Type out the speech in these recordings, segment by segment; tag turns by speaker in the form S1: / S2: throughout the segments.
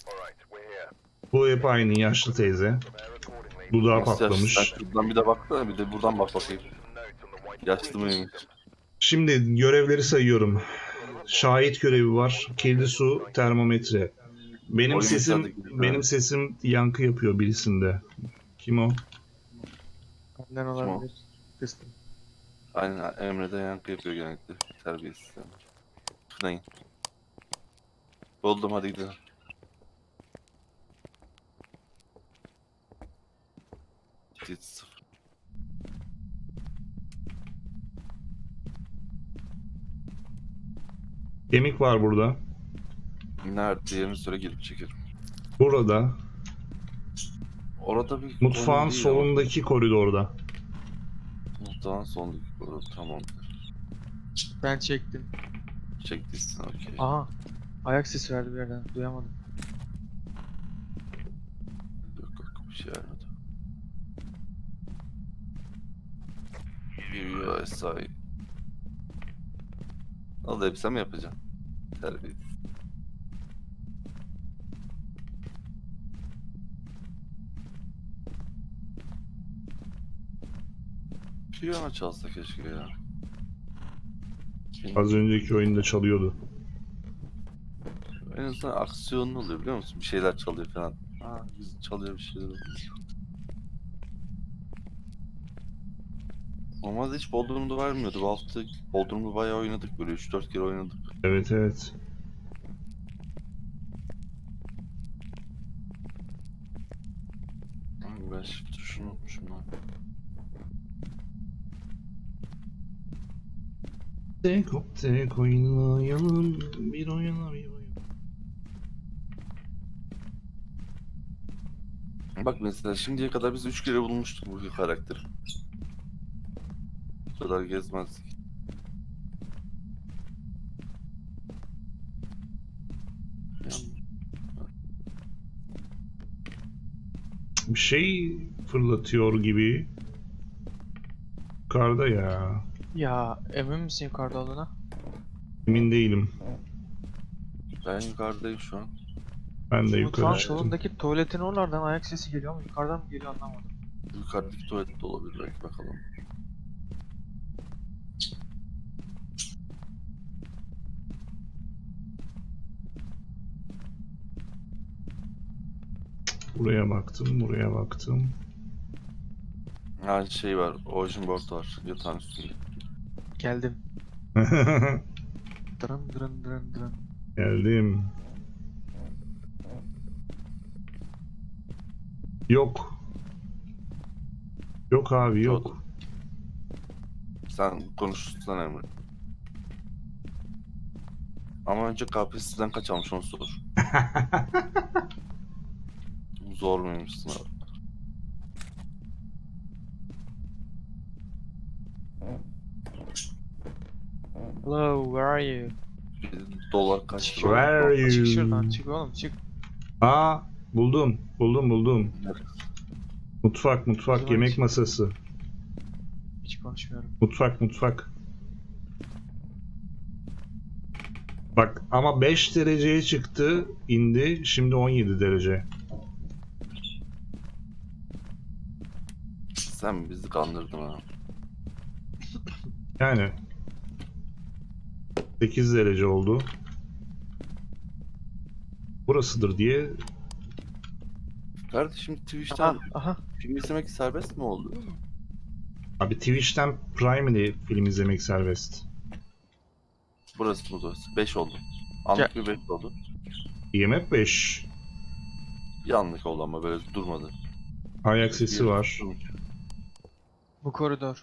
S1: Bu hep aynı yaşlı teyze. Dudağı
S2: Nasıl yaşlı? Sen
S1: patlamış.
S2: şuradan bir de baksana, bir de buradan bak bakayım. Yaşlı mıymış?
S1: Şimdi görevleri sayıyorum. Şahit görevi var. Kirli su, termometre. Benim
S2: Oyun
S1: sesim
S2: müsaade gibi.
S1: benim sesim yankı yapıyor birisinde. Kim o?
S3: Benden
S2: Kim o?
S3: olabilir. Kıstım.
S2: Aynen, Emre'de yankı yapıyor genellikle. Terbiyesiz. Kınayın. Buldum, hadi gidelim. Hiç sıfır.
S1: Kemik var burada.
S2: Nerede? Yerini söyle, gelip çekerim.
S1: Burada.
S2: Orada bir
S1: Mutfağın
S2: konu değil ama.
S1: solundaki koridorda.
S2: Muhtemelen sondaki konu. Tamamdır.
S3: Ben çektim.
S2: Çektiysin, okey.
S3: Aha. Ayak sesi verdi bir yerden. Duyamadım.
S2: Yok yok, bir şey vermedi. Yürüyor SI. Al da hep sen mi yapacaksın? Terbiyesiz. Piyano çalsa keşke ya.
S1: Az önceki oyunda çalıyordu.
S2: En azından aksiyonlu oluyor, biliyor musun? Bir şeyler çalıyor falan. Aa, biz çalıyor bir şeyler oluyor. Normalde hiç Bodrum'da vermiyordu. Bu hafta Bodrum'da bayağı oynadık, böyle 3-4 kere oynadık.
S1: Evet evet.
S2: Ay, ben shift tuşunu unutmuşum lan.
S1: Tek hop tek oynayalım. Bir oyuna bir oyuna.
S2: Bak mesela şimdiye kadar biz 3 kere bulmuştuk bu karakteri. Bu kadar gezmezdik. Yani,
S1: Bir şey fırlatıyor gibi. Yukarıda ya.
S3: Ya emin misin yukarıda olduğuna?
S1: Emin değilim.
S2: ben yukarıdayım şu an.
S1: Ben de
S3: Mutfağın
S1: yukarı çıktım.
S3: solundaki tuvaletin oralardan ayak sesi geliyor ama yukarıdan mı geliyor anlamadım.
S2: Yukarıdaki tuvalette olabilir belki, bakalım.
S1: Buraya baktım, buraya baktım.
S2: Ha, şey var, Ocean Board var yatağın üstünde.
S3: Geldim. Dırın dırın dırın dırın.
S1: Geldim. Yok. Yok abi yok.
S2: Sen konuşursan Emre. Ama önce KPSS'den kaç almış onu sor. Zor muymuş sınav?
S3: Hello, where are you?
S2: Dolar kaç
S3: Çık,
S2: lira?
S1: Where are
S3: çık
S1: you?
S3: şuradan, çık oğlum, çık.
S1: Aa, buldum.
S2: Evet.
S1: Mutfak,
S3: O zaman
S1: yemek
S3: hiç-
S1: masası.
S3: Hiç konuşmuyorum.
S1: Mutfak. Bak ama 5 dereceye çıktı, indi. Şimdi 17 derece.
S2: Sen bizi kandırdın ha.
S1: Yani 8 derece oldu. Burasıdır diye.
S2: Kardeşim Twitch'ten
S3: Aha, aha.
S2: film izlemek serbest mi oldu?
S1: Abi Twitch'ten Prime ile film izlemek serbest.
S2: Burası mı burası? 5 oldu. Anlık bir 5 oldu.
S1: IMF 5.
S2: Bir anlık oldu ama böyle durmadı.
S1: Ayak sesi var.
S3: Bu koridor.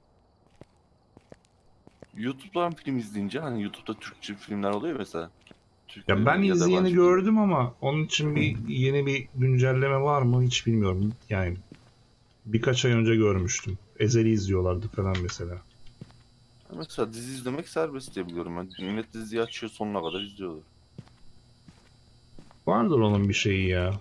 S2: YouTube'dan film izleyince, hani YouTube'da Türkçe filmler oluyor mesela. Türk
S1: Ya ben
S2: filmi ya da
S1: izleyeni
S2: yabancı
S1: gördüm ama onun için yeni bir güncelleme var mı hiç bilmiyorum. Yani birkaç ay önce görmüştüm. Ezel'i izliyorlardı falan mesela.
S2: film. Mesela dizi izlemek serbest diye biliyorum ben. Millet diziyi açıyor, sonuna kadar izliyorlar.
S1: Vardır onun bir şeyi ya.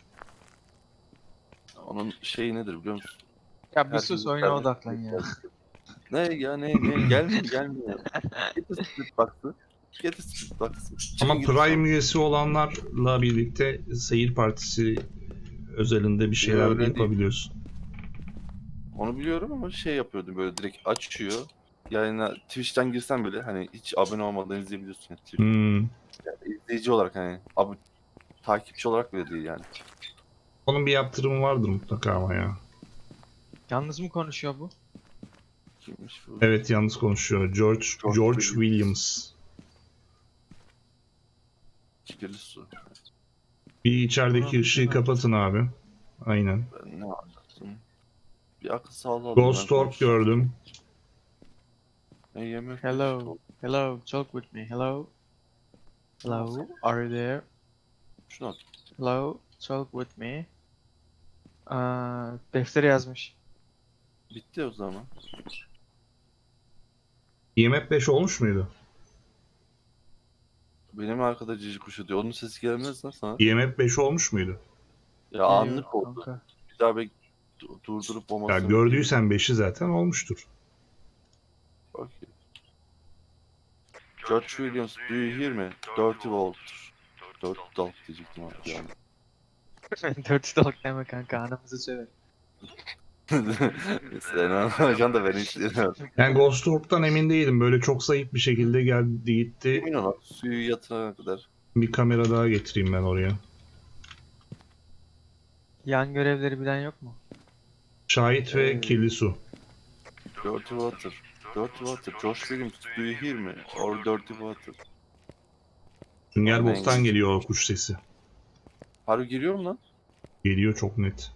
S2: Onun şeyi nedir biliyor musun?
S3: Ya bir
S2: Herkes
S3: sus, oyuna
S2: serbest
S3: odaklan ya.
S2: Ne ya, ne gelme gelme. Git de split box'ı. Getirsin baksın.
S1: Ama
S2: Çıkın
S1: Prime
S2: gidin.
S1: üyesi olanlarla birlikte seyir partisi özelinde bir şeyler
S2: Öyle değil.
S1: yapabiliyorsun.
S2: Onu biliyorum ama şey yapıyordum böyle direkt açıyor. Yayına Twitch'ten girsen bile hani hiç abone olmadan izleyebiliyorsun. Yani Twitch.
S1: Hmm.
S2: İzleyici olarak hani takipçi olarak bile değil yani.
S1: Onun bir yaptırımı vardır mutlaka ama ya.
S3: Yalnız mı konuşuyor bu?
S2: Kimmiş bu?
S1: Evet, yalnız konuşuyor. George Williams.
S2: Kirli su.
S1: Bir içerideki
S3: Tamam,
S1: ışığı
S3: tamam.
S1: kapatın abi. Aynen.
S2: Ben ne anlattım? Bir akıl sağlığı aldım.
S1: Ghost Orb gördüm.
S2: Ne yemek?
S3: Hello. Hello. Talk with me. Hello. Hello. Are you there?
S2: Şunu at.
S3: Hello. Talk with me. Deftere yazmış.
S2: Bitti o zaman.
S1: IMF 5 olmuş muydu?
S2: Benim arkada cici kuşu diyor. Onun sesi gelmez lan sana.
S1: IMF 5 olmuş muydu?
S2: Ya anlık oldu.
S3: Kanka.
S2: Bir daha durdurup
S1: Ya
S2: olmasını
S1: gördüysen 5'i zaten olmuştur.
S2: Okey. George Williams, do you hear me? Dirty Volt. Dirty Volt diyecektim abi yani.
S3: Dirty Talk deme kanka, anamızı söver.
S2: Sen anlamayacaksın da ben istemiyorum.
S1: Yani Ghost Orb'dan emin değilim. Böyle çok zayıf bir şekilde geldi gitti.
S2: Emin ol suyu yatırana kadar.
S1: Bir kamera daha getireyim ben oraya.
S3: Yan görevleri bilen yok mu?
S1: Şahit ve kirli su.
S2: Dirty Water. Dirty Water. George Williams, do you hear me? Or Dirty Water.
S1: Sünger
S2: Aynen.
S1: Bob'tan geliyor o kuş sesi.
S2: Harbi giriyor mu lan?
S1: Geliyor çok net.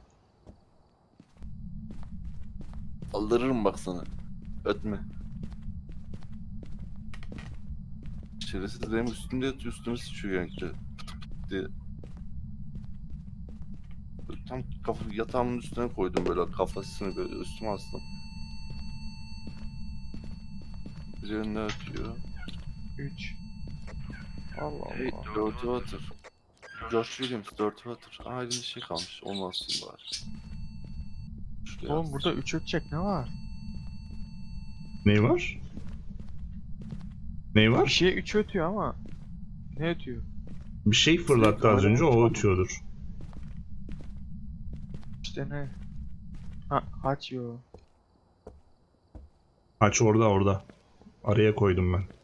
S2: Aldırırım bak sana. Ötme. Şerefsiz benim üstümde yatıyor, üstüme sıçıyor yankı. Pıt pıt diye. Tam yatağımın üstüne koydum böyle kafasını böyle üstüme astım. Bir önüne ötüyor.
S3: 3. Allah
S2: Hey,
S3: Allah.
S2: Dirty Water. George Williams, Dirty Water. Aa elimde şey kalmış, onu asayım bari. Şuraya
S3: Oğlum
S2: as.
S3: burada 3 ötecek ne var?
S1: Ne var? Ne
S3: Bir
S1: var?
S3: şey 3 ötüyor ama. Ne ötüyor?
S1: Bir şey fırlattı az önce, o ötüyordur.
S3: İşte ne? Ha, açıyor.
S1: Aç orada. Araya koydum ben.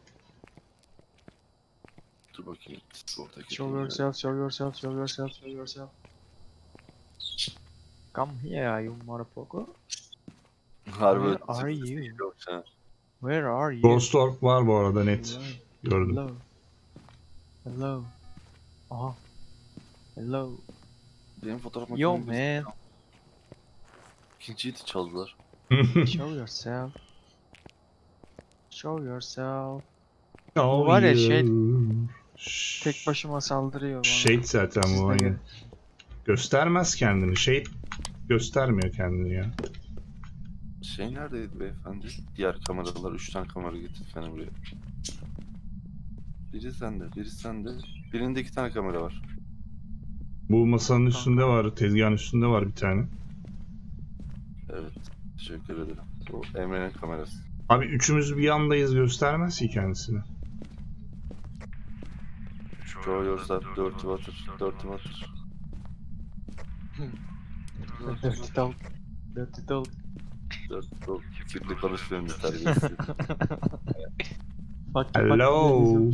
S2: Dur bakayım. Oradaki
S3: Show yourself, show yourself, show yourself, show yourself. Come here, you motherfucker.
S2: Harbi
S3: Where are you?
S2: Yok, ha.
S3: Where are you?
S1: Ghost Orb var bu arada net.
S3: Hello.
S1: Gördüm.
S3: Hello. Hello. Aha. Hello.
S2: Benim fotoğraf
S3: Yo
S2: makinemi
S3: man.
S2: İkinciyi de çaldılar.
S3: Show yourself. Show yourself.
S1: Oh,
S3: var ya,
S1: yeah.
S3: Tek başıma saldırıyor bana.
S1: Shade zaten
S3: Siz
S1: bu
S3: de
S1: aynen.
S3: gelin.
S1: Göstermez kendini. Shade göstermiyor kendini ya.
S2: Şey neredeydi beyefendi? Diğer kameralar, 3 tane kamera getirdi buraya. Biri sende, biri sende. Birinde 2 tane kamera var.
S1: Bu masanın üstünde var, tezgahın üstünde var bir tane.
S2: Evet, teşekkür ederim. Bu Emre'nin kamerası.
S1: Abi üçümüz bir yandayız, göstermez ki kendisini.
S2: Show yourself, Dirty Water, Dirty Water.
S3: Dirty talk. Dirty talk.
S2: Dirty Water. Kirli konuşmuyorum bir terbiyesi.
S3: Bak,
S1: Hello.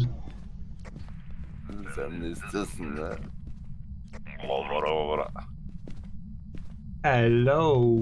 S2: Sen ne istiyorsun ya? Vara.
S1: Hello.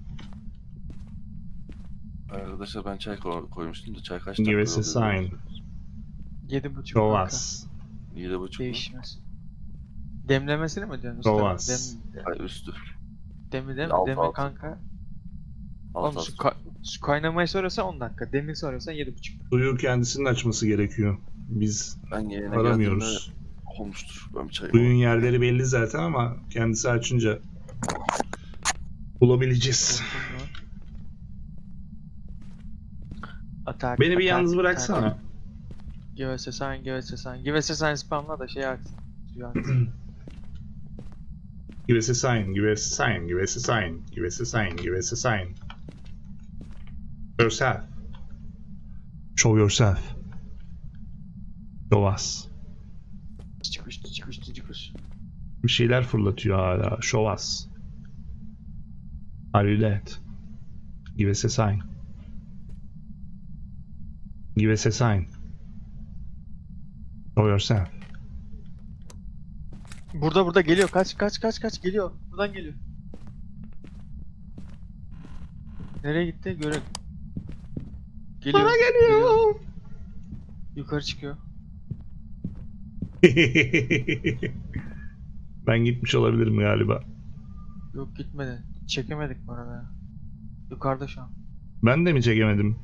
S2: Arkadaşlar ben çay koymuştum da çay kaç
S1: Give
S2: dakika
S1: us a
S2: oluyor?
S1: sign.
S3: 7.5
S1: Show
S3: kanka.
S1: us.
S2: 7.5 mu?
S3: Değişmez. Demlemesini mi diyorsun
S1: Show
S3: usta?
S1: us.
S2: Hayır üstü.
S3: Demi değil mi?
S2: Altı,
S3: Demi
S2: altı.
S3: kanka.
S2: Alt
S3: Oğlum su kaynamayı soruyorsan 10 dakika. Demi soruyorsan 7.5.
S1: Suyu kendisinin açması gerekiyor. Biz
S2: Ben yayına
S1: aramıyoruz.
S2: geldiğimde olmuştur. Ben bir çay
S1: Suyun yerleri belli zaten ama kendisi açınca bulabileceğiz.
S3: Atak.
S1: Beni bir
S3: atak,
S1: yalnız
S3: atak.
S1: bıraksana.
S3: Give us a sign, give us a sign. Give us a sign spamla da şey aksın. Suyu aksın.
S1: Give us a sign, give us a sign, give us a sign, give us a sign, give us a sign. Yourself. Show yourself. Şovas.
S3: Çıkış çıkış çıkış.
S1: Bir şeyler fırlatıyor hala. Şovas. Are you dead? Give us a sign. Give us a sign. Show yourself.
S3: Burada geliyor. Kaç geliyor. Buradan geliyor. Nereye gitti? Görelim. Geliyor.
S1: Bana geliyor.
S3: Yukarı çıkıyor.
S1: Ben gitmiş olabilirim galiba.
S3: Yok gitmedi. Çekemedik bu arada ya. Yukarıda şu an.
S1: Ben de mi çekemedim?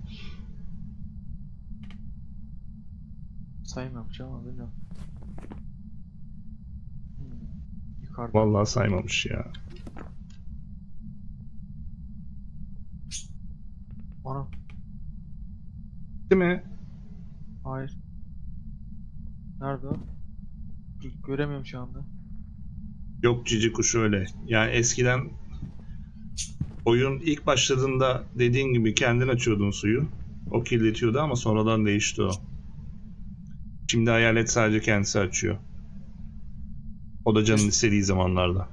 S3: Sayım yapacağım ama bilmiyorum. Yukarıda.
S1: Vallahi saymamış ya.
S3: Ana.
S1: Değil mi?
S3: Hayır. Nerede o? Göremiyorum şu anda.
S1: Yok cici kuş öyle. Yani eskiden oyun ilk başladığında dediğin gibi kendin açıyordun suyu. O kirletiyordu ama sonradan değişti o. Şimdi hayalet sadece kendisi açıyor. O da canın istediği zamanlarda.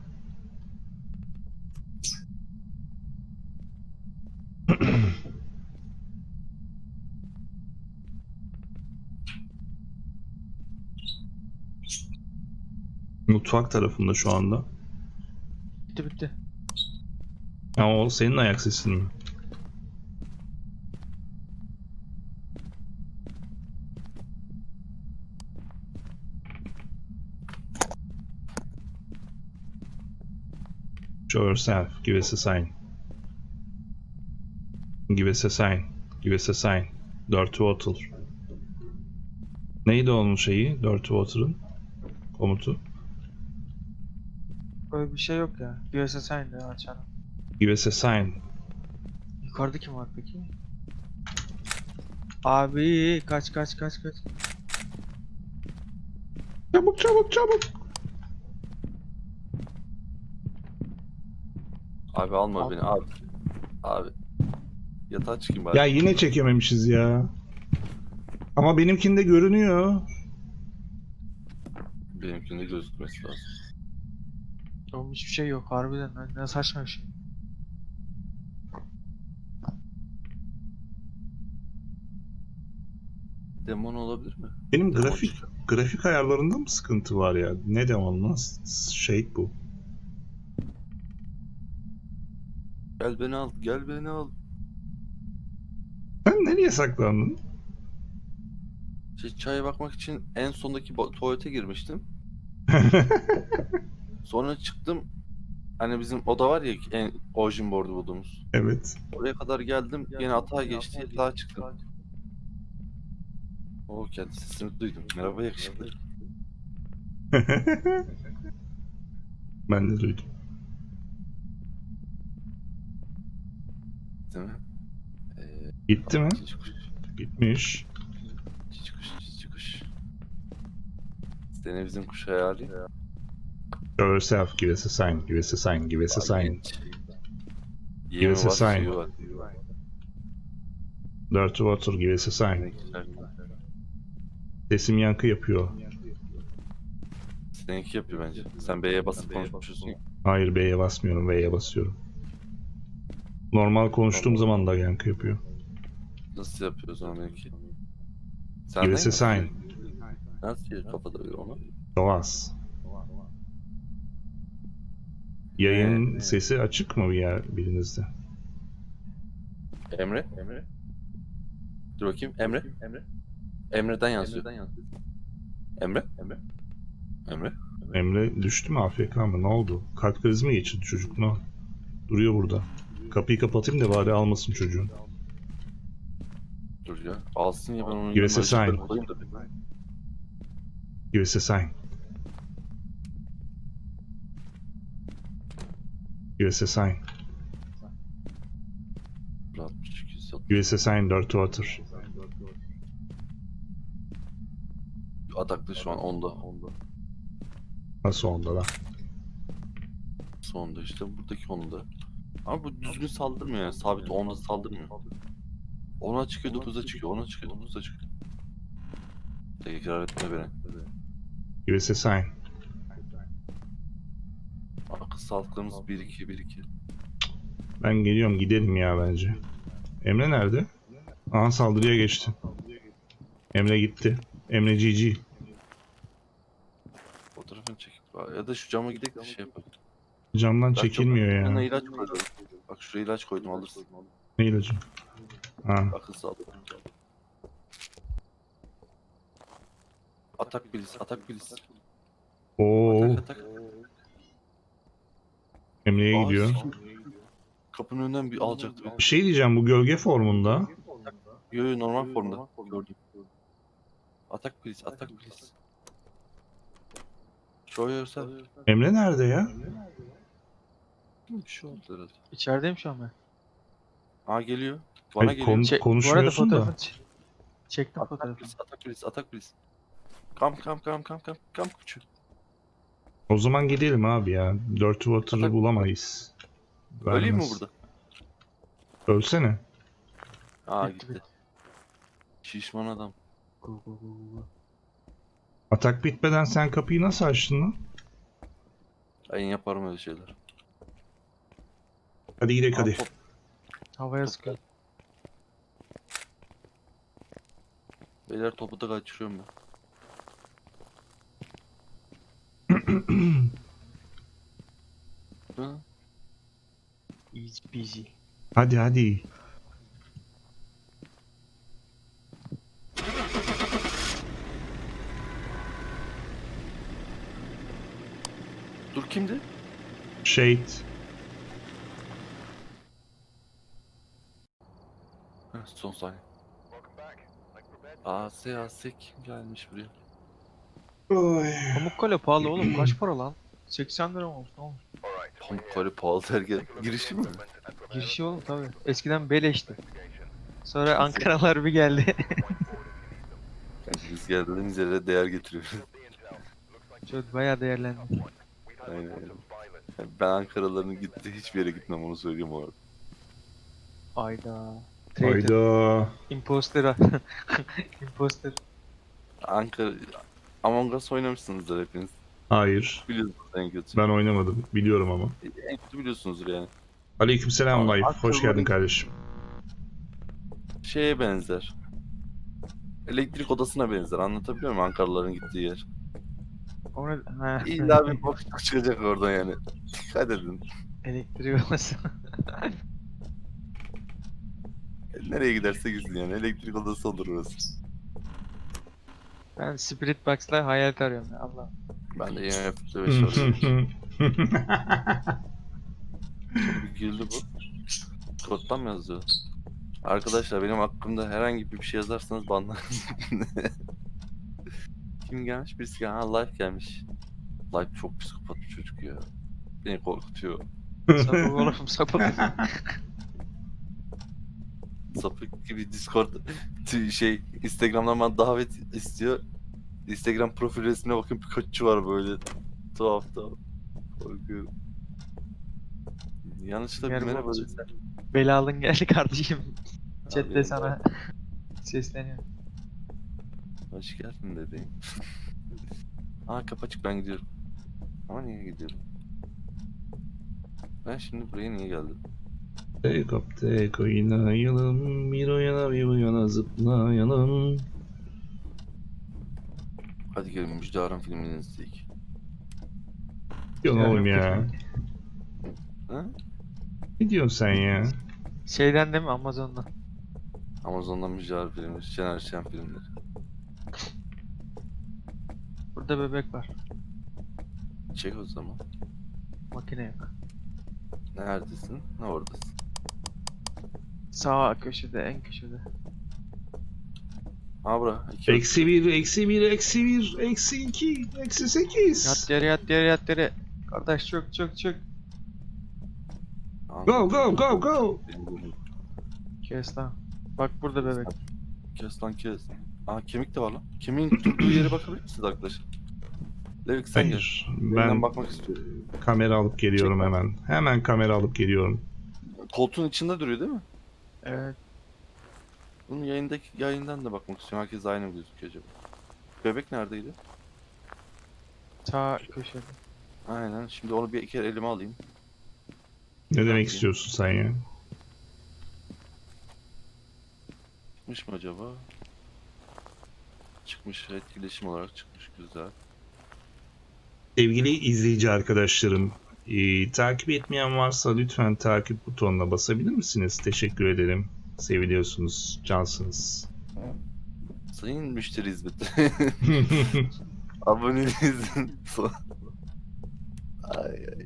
S1: Mutfak tarafında şu anda.
S3: Bitti.
S1: Ama o senin ayak sesin mi? Show yourself. Give us a sign. Give us a sign. Give us a sign. Dirty Water. Neydi onun şeyi? Dirty Water'ın komutu.
S3: Öyle bir şey yok ya. USA Sign de açalım.
S1: Give us a sign.
S3: Yukarıda kim var peki? Abi kaç.
S1: Çabuk çabuk çabuk.
S2: Abi alma
S3: Al.
S2: beni abi. Abi. Yatağa çıkayım bari.
S1: Ya yine çekememişiz ya. Ama benimkinde görünüyor.
S2: Benimkinde gözükmesi lazım.
S3: Oğlum hiçbir şey yok harbiden. Ne saçma bir şey.
S2: Demon olabilir mi?
S1: Benim
S2: Demon
S1: grafik
S2: çıkıyor.
S1: grafik ayarlarında mı sıkıntı var ya? Ne demem lan? Şey bu.
S2: Gel beni al, gel beni al.
S1: Sen nereye saklandın?
S2: Çaya bakmak için en sondaki tuvalete girmiştim. Sonra çıktım. Hani bizim oda var ya en origin board'u bulduğumuz.
S1: Evet.
S2: Oraya kadar geldim. Yine atağa geçti. Yatağa çıktım. O kendi sesini duydum. Merhaba yakışıklı.
S1: Ben de duydum.
S2: Değil mi?
S1: Gitti mi?
S2: Cici kuş.
S1: Gitmiş.
S2: Cici kuş. Cici kuş. Seni bizim kuş hayali.
S1: Show yourself. Give us a sign. Give us a sign. Give us a sign.
S2: Yemi
S1: us a
S2: var,
S1: sign.
S2: suyu var.
S1: Dirty Water. Give us a sign.
S2: Ne güzel.
S1: Sesim yankı yapıyor.
S2: Seninki yapıyor bence. Sen B'ye basıp konuşuyorsun ya.
S1: Hayır B'ye basmıyorum. V'ye basıyorum. Normal konuştuğum zaman da yankı yapıyor.
S2: Nasıl yapıyor o zaman benimki?
S1: Give us a sign.
S2: Nasıl ya kafada böyle onu?
S1: Şovas. Yayın
S2: Evet.
S1: sesi açık mı bir yer birinizde?
S2: Emre? Dur bakayım. Emre? Emre'den yazıyor. Emre? Emre?
S1: Emre düştü mü AFK mı? Ne oldu? Kalp krizi mi geçirdi çocuk? Ne? Duruyor burada. Kapıyı kapatayım da bari almasın çocuğun.
S2: Dur ya. Alsın ya ben onun
S1: Give us a
S2: ışıkları
S1: sign.
S2: koyayım da.
S1: Give us a sign. Give us a sign.
S2: 62, 160.
S1: Give us a sign. Dirty Water.
S2: Ataklı şu an 10'da.
S1: Nasıl onda lan?
S2: Sonunda işte buradaki 10'da. Ama bu düzgün saldırmıyor yani. Sabit 10'da saldırmıyor. 10'a çıkıyor 9'a çıkıyor. 10'a çıkıyor 9'a çıkıyor. Tekrar etme beni.
S1: Give us a sign.
S2: Akıl sağlıklarımız 1-2.
S1: Ben geliyorum, gidelim ya bence. Emre nerede? Aha, saldırıya geçti. Emre gitti. Emre GG.
S2: Fotoğrafını çekip ya da şu cama gidelim de şey yapalım.
S1: Camdan
S2: Bak,
S1: çekilmiyor
S2: yanına
S1: ya.
S2: ilaç koydum. Bak şuraya ilaç koydum, alırsın.
S1: Ne ilacı? Ha.
S2: Akıl sağlığı. Atak bilis.
S1: Oo,
S2: Atak.
S1: Emre'ye gidiyor.
S2: Kapının önünden bir alacaktı beni.
S1: Bir şey diyeceğim, bu gölge formunda.
S2: Yo normal formda gördüm. Atak bilis. Show yourself.
S1: Emre nerede ya?
S2: Bir şey oldu herhalde.
S3: İçerideyim şu an ben.
S2: Aa geliyor. Bana
S1: Hayır,
S2: geliyor.
S3: Bu arada
S1: konuşmuyorsun da.
S3: fotoğrafını çektim fotoğrafını.
S2: Atak bilis. Kam küçük.
S1: O zaman gidelim abi ya. Dirty Water'ı
S2: Atak-
S1: bulamayız.
S2: Öleyim mi
S1: Vermez.
S2: burada?
S1: Ölsene.
S2: Aa
S3: Bitti,
S2: gitti. Şişman adam.
S3: Go, go, go, go.
S1: Atak bitmeden sen kapıyı nasıl açtın lan?
S2: Ben yaparım öyle şeyler.
S1: Hadi gidelim hadi.
S2: Aa, top.
S3: Havaya sıkıyor.
S2: Beyler topu da kaçırıyorum ben. Hı?
S3: Easy peasy.
S1: Hadi.
S2: Dur kimdi?
S1: Shade.
S2: Heh, son saniye. AS kim gelmiş buraya?
S1: Oy.
S3: Pamukkale pahalı oğlum. Kaç para lan? 80 lira mı olmuş? Ne olmuş?
S2: Pamukkale pahalı terk girişi mi?
S3: Girişi oğlum tabi. Eskiden beleşti. Sonra Ankaralar bir geldi.
S2: Yani biz geldiğimiz yere değer getiriyoruz.
S3: Çok bayağı değerlendi.
S2: Aynen. Yani ben Ankaralıların gitti hiçbir yere gitmem, onu söyleyeyim o arada.
S3: Ayda. Traitor.
S1: Hayda.
S3: Imposter. Imposter.
S2: Ankara... Among Us oynamışsınızdır hepiniz.
S1: Hayır.
S2: Biliyorsunuz en kötü.
S1: Ben oynamadım. Biliyorum ama.
S2: En kötü biliyorsunuzdur yani.
S1: Aleykümselam
S2: Aa,
S1: Life. Hoş
S2: aklıma-
S1: geldin kardeşim.
S2: Şeye benzer. Elektrik odasına benzer. Anlatabiliyor muyum Ankaralıların gittiği yer?
S3: O ne? Ha.
S2: İlla bir boşluk çıkacak oradan yani. Dikkat edin.
S3: Elektrik olması.
S2: Nereye giderse gitsin yani. Elektrik odası olur orası.
S3: Ben Spirit Box'la hayalet arıyorum ya Allah.
S2: Ben de yine yaptı 5 var. Bir güldü bu. Koddan mı yazıyor? Arkadaşlar benim hakkımda herhangi bir şey yazarsanız banlarım. Kim gelmiş? Birisi gelmiş. Ha, Life gelmiş. Life çok psikopat bir çocuk ya. Beni korkutuyor.
S3: Sapık oğlum sapık.
S2: Sapık gibi Discord Instagram'dan bana davet istiyor. Instagram profil resmine bakın, Pikachu var böyle. Tuhaf. Korkuyorum. Yanlışlıkla bir
S3: Merhaba.
S2: merhaba desem.
S3: Belalın geldi kardeşim.
S2: Abi,
S3: Chat'te sana sesleniyor.
S2: Hoş geldin dedi. Aa kapı açık, ben gidiyorum. Ama niye gidiyorum? Ben şimdi buraya niye geldim?
S1: Tek hop tek oynayalım. Bir o yana bir bu yana zıplayalım.
S2: Hadi gelin Müjde Aram filmini izleyelim.
S1: Yok oğlum ya.
S2: Ha?
S1: Ne diyorsun sen ya?
S3: Şeyden değil mi Amazon'dan?
S2: Amazon'dan Müjde Aram filmi, Şener Şen filmleri.
S3: Burada bebek var.
S2: Çek o zaman.
S3: Makine yok.
S2: Neredesin? Ne oradasın?
S3: Sağ köşede en köşede.
S2: Ha bura. iki
S1: Eksi 1, eksi 1, eksi 1, eksi 2, eksi 8.
S3: Yat yere yat yere yat yere. Kardeş çök.
S1: Go.
S3: Kes lan. Bak burada bebek.
S2: Kes lan kes. Aa kemik de var lan. Kemiğin durduğu yere bakabilir misiniz arkadaşlar? Levik sen gel.
S1: Hayır.
S2: Ben
S1: Ben
S2: bakmak istiyorum.
S1: kamera alıp geliyorum
S2: Çek.
S1: hemen. Hemen kamera alıp geliyorum.
S2: Koltuğun içinde duruyor değil mi?
S3: Evet.
S2: Bunun yayından da bakmak istiyorum. Herkes aynı mı gözüküyor acaba? Bebek neredeydi?
S3: Sağ köşede.
S2: Aynen. Şimdi onu bir kere elime alayım.
S1: Ne demek
S2: Bakayım.
S1: istiyorsun sen ya?
S2: Çıkmış mı acaba? Çıkmış. Etkileşim olarak çıkmış. Güzel.
S1: Sevgili izleyici arkadaşlarım, takip etmeyen varsa lütfen takip butonuna basabilir misiniz? Teşekkür ederim. Seviliyorsunuz, cansınız.
S2: Sayın müşteri hizmeti. Abonenizin son. Ay ay.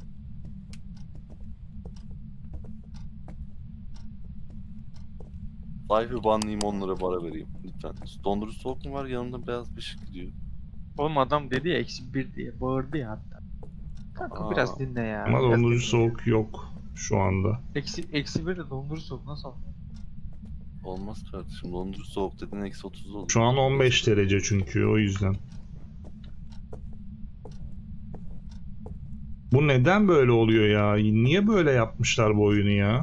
S2: Sayfı banlayayım, 10 lira para vereyim lütfen. Dondurucu soğuk mu var, yanında beyaz bir ışık gidiyor.
S3: Oğlum adam dedi ya -1 diye bağırdı ya hatta. Kanka
S2: Aa.
S3: biraz dinle ya.
S1: Ama
S3: biraz
S1: dondurucu
S3: dinle.
S1: soğuk yok şu anda.
S3: -1 de dondurucu soğuk nasıl olur?
S2: Olmaz kardeşim, dondurucu soğuk dedin -30 olur.
S1: Şu an 15 derece çünkü o yüzden. Bu neden böyle oluyor ya? Niye böyle yapmışlar bu oyunu ya?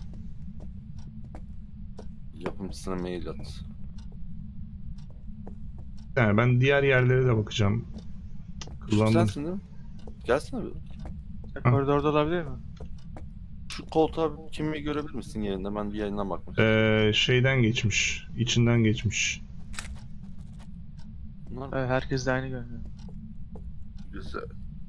S2: Yapımcısına mail at.
S1: Yani ben diğer yerlere de bakacağım.
S2: Şu
S1: Kullandım.
S2: sensin değil mi? Gelsene bir.
S3: Koridorda olabilir mi?
S2: Şu koltuğa bir kimliği görebilir misin yerinde? Ben bir yayından bakmak istiyorum.
S1: Şeyden geçmiş. İçinden geçmiş.
S2: Bunlar
S3: Evet, herkes de aynı görünüyor.
S2: güzel.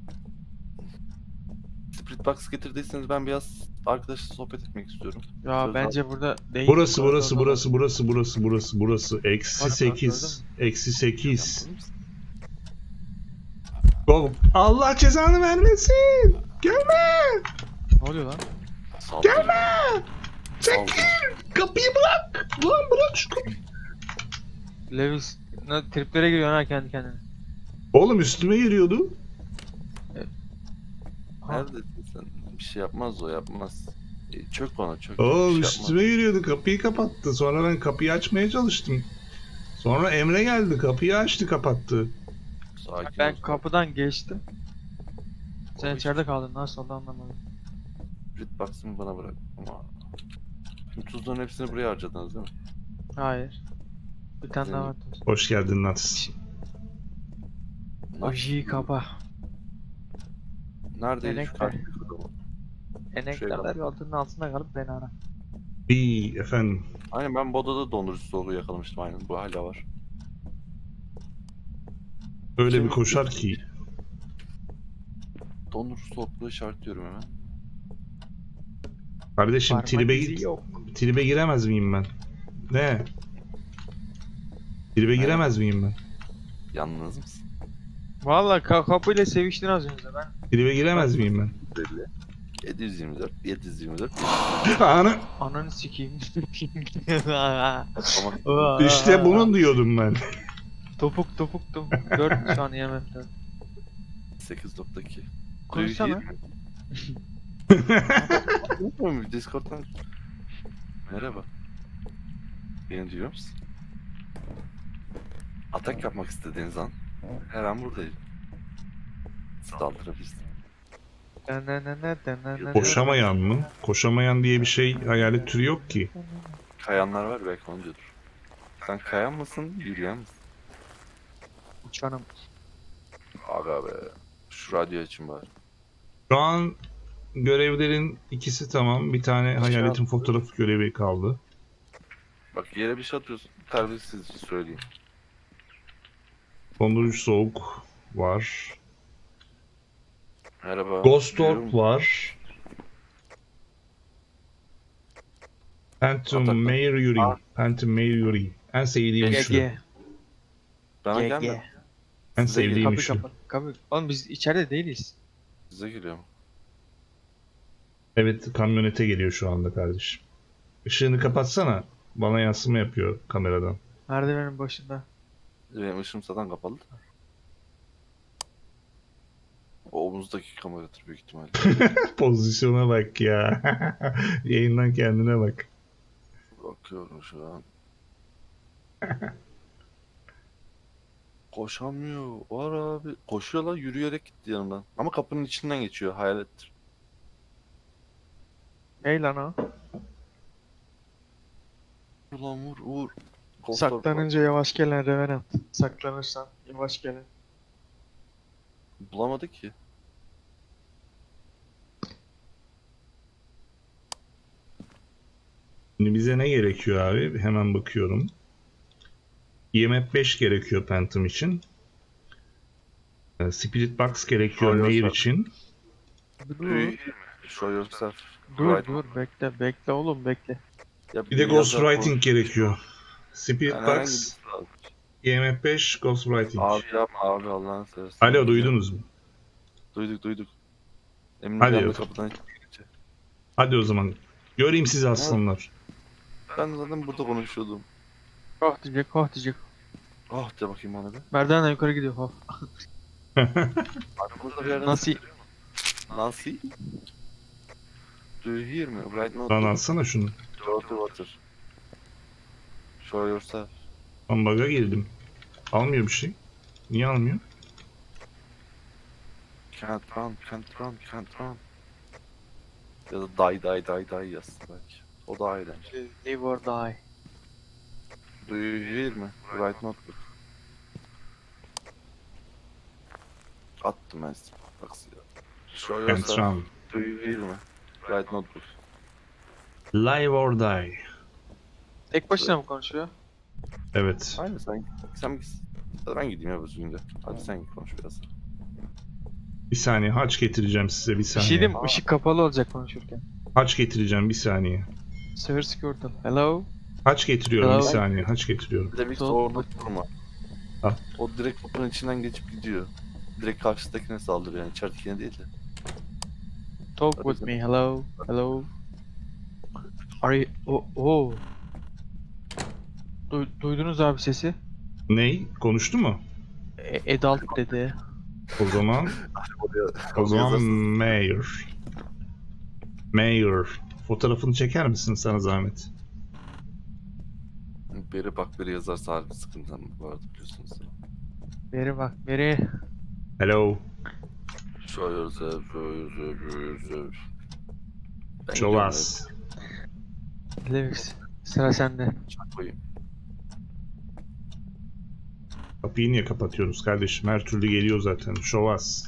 S2: Spirit Box getirdiyseniz ben biraz arkadaşla sohbet etmek istiyorum.
S3: Ya
S2: Söz
S3: bence burada değil.
S1: Burası
S3: koridorda
S1: burası
S3: olan.
S1: burası burası burası burası burası. Eksi
S3: Bak,
S1: 8. Eksi 8.
S2: Yapalım mısın?
S1: Oğlum Allah cezanı vermesin. Gelme.
S3: Ne oluyor lan?
S2: Saldırı.
S1: Çekil. Kapıyı bırak. Lan bırak şu kapıyı.
S3: Lewis triplere giriyor ha kendi kendine.
S1: Oğlum üstüme giriyordu.
S3: Ha,
S2: Neredesin sen? Bir şey yapmaz o, yapmaz. Çök ona, çök.
S1: Oğlum
S2: Bir şey yapmaz.
S1: üstüme giriyordu. Kapıyı kapattı. Sonra ben kapıyı açmaya çalıştım. Sonra Emre geldi. Kapıyı açtı kapattı.
S2: Sakin
S3: ben
S2: ol.
S3: kapıdan geçtim. Sen
S2: Oğlum,
S3: içeride kaldın. Nasıl oldu anlamadım.
S2: Spirit Box'ımı bana bırak. Ama şimdi tuzların hepsini buraya harcadınız değil mi?
S3: Hayır. Bir tane daha var.
S1: Hoş geldin Nats.
S3: Ojiyi kapa.
S2: Neredeydi şu
S3: Melek
S2: karşı
S3: de.
S2: adamı?
S3: Eneklerler yolunun altında kalıp beni ara.
S1: Bir efendim.
S2: Aynen, ben bu odada dondurucu soğuğu yakalamıştım, aynen bu hala var.
S1: Öyle bir
S2: Şimdi-
S1: koşar ki.
S2: Dondurucu soğukluğu işaretliyorum hemen.
S1: Kardeşim
S3: Parmak
S1: tribe,
S3: izi yok.
S1: tribe giremez miyim ben? Ne? Tribe
S2: Evet.
S1: giremez miyim ben?
S2: Yalnız mısın?
S3: Valla kapıyla seviştin az önce ben.
S1: Tribe giremez miyim ben?
S2: Belli. 724, 724.
S1: Ana.
S3: Ananı sikeyim.
S2: Ama
S1: İşte bunu diyordum ben.
S3: Topuk. 4 şu an IMF 4.
S2: 8.2.
S3: Konuşsana.
S2: Unutmuyorum Discord'dan. Merhaba. Beni duyuyor musun? Atak yapmak istediğiniz an her an buradayım. Saldırabilirsin.
S1: Koşamayan mı? Koşamayan diye bir şey hayalet türü yok ki.
S2: Kayanlar var, belki onu diyordur. Sen kayan mısın, yürüyen misin?
S3: Uçanım.
S2: Aga be. Şu radyo için bari.
S1: Şu an görevlerin ikisi tamam. Bir tane hayaletin fotoğrafı görevi kaldı.
S2: Bak yere bir şey atıyorsun. Terbiyesizce söyleyeyim.
S1: Dondurucu soğuk var.
S2: Merhaba.
S1: Ghost
S2: duyuyor
S1: Orb
S2: musun?
S1: var. Phantom
S2: Atak-
S1: Mercury.
S2: Aa.
S1: Phantom Mercury. En sevdiğim
S3: GG.
S1: şu.
S2: Bana
S3: GG.
S2: gelme.
S1: En
S2: Size geliyor.
S1: sevdiğim
S3: Kapı
S1: şu.
S3: kapı. Kapı. Oğlum biz içeride değiliz.
S2: Size geliyorum.
S1: Evet, kamyonete geliyor şu anda kardeşim. Işığını kapatsana. Bana yansıma yapıyor kameradan.
S3: Merdivenin başında.
S2: Benim ışığım zaten kapalı da. O omuzdaki kameradır büyük ihtimalle.
S1: Pozisyona bak ya. Yayından kendine bak.
S2: Bakıyorum şu an. Koşamıyor. Var abi. Koşuyor lan, yürüyerek gitti yanımdan. Ama kapının içinden geçiyor. Hayalettir.
S3: Ey lan o.
S2: Vur lan, vur vur.
S3: Saklanınca yavaş gelen Revenant. Saklanırsan yavaş gelen.
S2: Bulamadık ki.
S1: Şimdi bize ne gerekiyor abi? Hemen bakıyorum. IMF 5 gerekiyor Phantom için. Spirit Box gerekiyor
S2: Show
S1: Mayor
S2: yourself.
S1: için.
S3: Dur.
S2: Show yourself.
S3: Dur
S2: Right.
S3: dur bekle oğlum bekle.
S2: Ya
S1: Bir de
S2: yazar
S1: Ghostwriting
S2: konuş-
S1: gerekiyor. Spirit
S2: Yani herhangi
S1: Box,
S2: bir lazım.
S1: IMF 5, Ghostwriting.
S2: Abi yapma abi Allah'ını seversen.
S1: Alo, duydunuz mu?
S2: Duyduk. Emin
S1: Hadi
S2: bir anda
S1: yok.
S2: kapıdan çıkınca.
S1: Hadi o zaman. Göreyim sizi aslanlar.
S2: Ben zaten burada konuşuyordum.
S3: Oh diyecek.
S2: Ah de bakayım bana bir.
S3: Merdivenle yukarı gidiyor. Oh.
S2: Arkamızda bir yerden
S3: Nasıl?
S2: Nancy? Do you hear me? Right now.
S1: Lan alsana şunu.
S2: Dirty water. Show yourself.
S1: Ben bug'a girdim. Almıyor bir şey. Niye almıyor?
S2: Can't run. Ya da die yazsın belki. O daha eğlenceli.
S3: Live or die.
S2: Do you hear me? Right notebook. Attım ben size. Taksiye. Show
S1: Can't
S2: yourself.
S1: run.
S2: Do you hear me? Right notebook.
S1: Live or die.
S3: Tek başına mı konuşuyor?
S1: Evet.
S2: Aynen sen git. Ya ben gideyim ya bugün de. Hadi sen git konuş biraz.
S1: Bir saniye haç getireceğim size bir
S3: Bir şey
S1: saniye.
S3: diyeyim mi? Işık kapalı olacak konuşurken.
S1: Haç getireceğim bir saniye.
S3: Sever Squirtle. Hello?
S1: Haç getiriyorum bir
S3: Hello?
S1: saniye. Haç getiriyorum.
S2: Bir de bir
S3: Sol.
S2: orada durma.
S1: Al.
S2: O direkt kapının içinden geçip gidiyor. Direkt karşıdakine saldırıyor yani içeridekine değil de.
S3: Talk with me. Hello? Are you... Oh. Duydunuz abi sesi?
S1: Ney? Konuştu mu?
S3: Adult dedi.
S1: O zaman o zaman Mayor. Mayor. Fotoğrafını çeker misin sana zahmet?
S2: Biri bak biri yazarsa harbi sıkıntı bu arada biliyorsunuz.
S3: Beri bak beri.
S1: Hello.
S2: Show yourself. Ben
S1: Show
S2: gidiyorum
S1: us.
S3: Levix. Sıra sende.
S2: ya, çak koyayım.
S1: Kapıyı niye kapatıyoruz kardeşim? Her türlü geliyor zaten. Show us.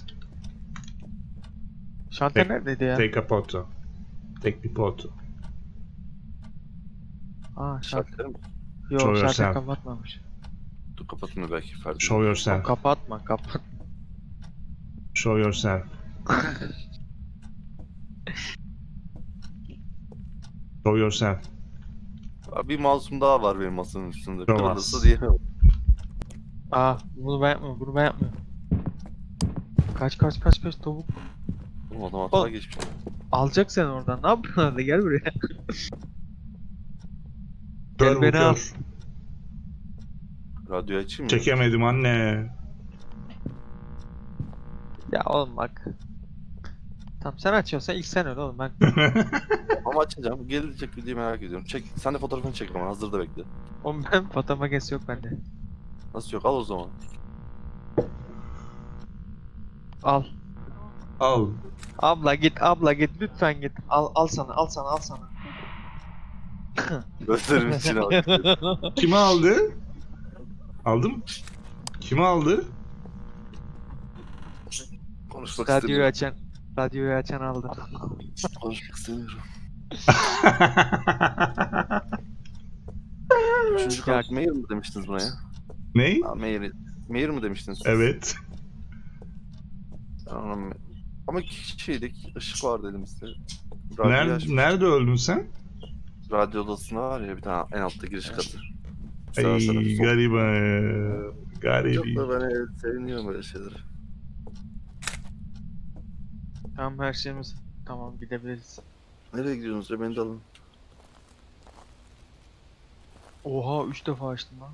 S3: Şalter
S1: Tek-
S3: neredeydi ya?
S1: Take a photo. Take bir photo.
S3: Aa şalter.
S2: Şartlarım mı?
S3: Yok
S1: Show
S3: şalter
S1: yourself.
S3: kapatmamış.
S2: Dur kapatın da belki Ferdi.
S1: Show yourself.
S3: Kapatma.
S1: Show yourself. Show yourself.
S2: Abi bir masum daha var benim masanın üstünde.
S1: Show
S2: Kırılırsa
S1: us.
S2: diyemem.
S3: Aa bunu ben yapmıyorum. Kaç tavuk.
S2: Oğlum adam hata
S3: Oğlum.
S2: geçmiş.
S3: Alacak seni oradan. Ne yapıyorsun orada? Gel buraya.
S1: Kör
S3: Gel
S1: bu
S3: beni al.
S1: kör.
S2: Radyoyu açayım mı?
S1: Çekemedim anne.
S3: Ya oğlum bak. Tamam sen açıyorsan ilk sen öyle oğlum ben.
S2: Ama açacağım. Gelecek mi diye merak ediyorum. Çek. Sen de fotoğrafını çek ama hazırda bekle.
S3: Oğlum ben foto makinesi yok bende.
S2: Nasıl yok? Al o zaman.
S3: Al.
S1: Al.
S3: Abla git lütfen git. Al sana.
S2: Gözlerimin içine bak.
S1: Kimi aldı? Aldım. Kimi aldı?
S2: Konuşmak
S3: Radyoyu
S2: istemiyorum.
S3: açan aldı.
S2: Konuşmak istemiyorum. Üçüncü kart Mayor mu demiştiniz buna ya?
S1: Ney?
S2: Ha, Mayor mu demiştiniz? siz?
S1: Evet.
S2: Ben ona ama şeydeki ışık var dedim size. Radyoyu açmış.
S1: Nerede öldün sen?
S2: Radyo odasında var ya bir tane en altta giriş katı.
S1: Ay gariban.
S2: Çok
S1: Garibi.
S2: da ben seviniyorum böyle şeyleri.
S3: Tamam her şeyimiz. Tamam gidebiliriz.
S2: Nereye gidiyorsunuz ya beni de alın.
S3: Oha 3 defa açtım lan.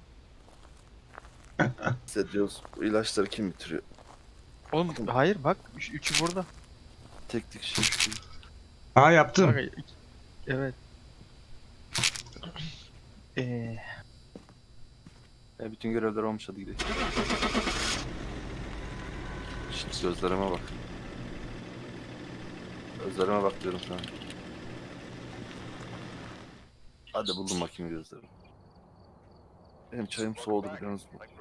S2: Size diyoruz bu ilaçları kim bitiriyor?
S3: Oğlum hayır bak 3'ü burada.
S2: Tek tek şey.
S1: Aa yaptım.
S3: Bak, evet.
S2: Ya bütün görevler olmuş hadi gidelim. Şimdi gözlerime bak. Gözlerime bak diyorum sana. Hadi buldum bakayım gözlerimi. Benim çayım soğudu biliyorsunuz mu?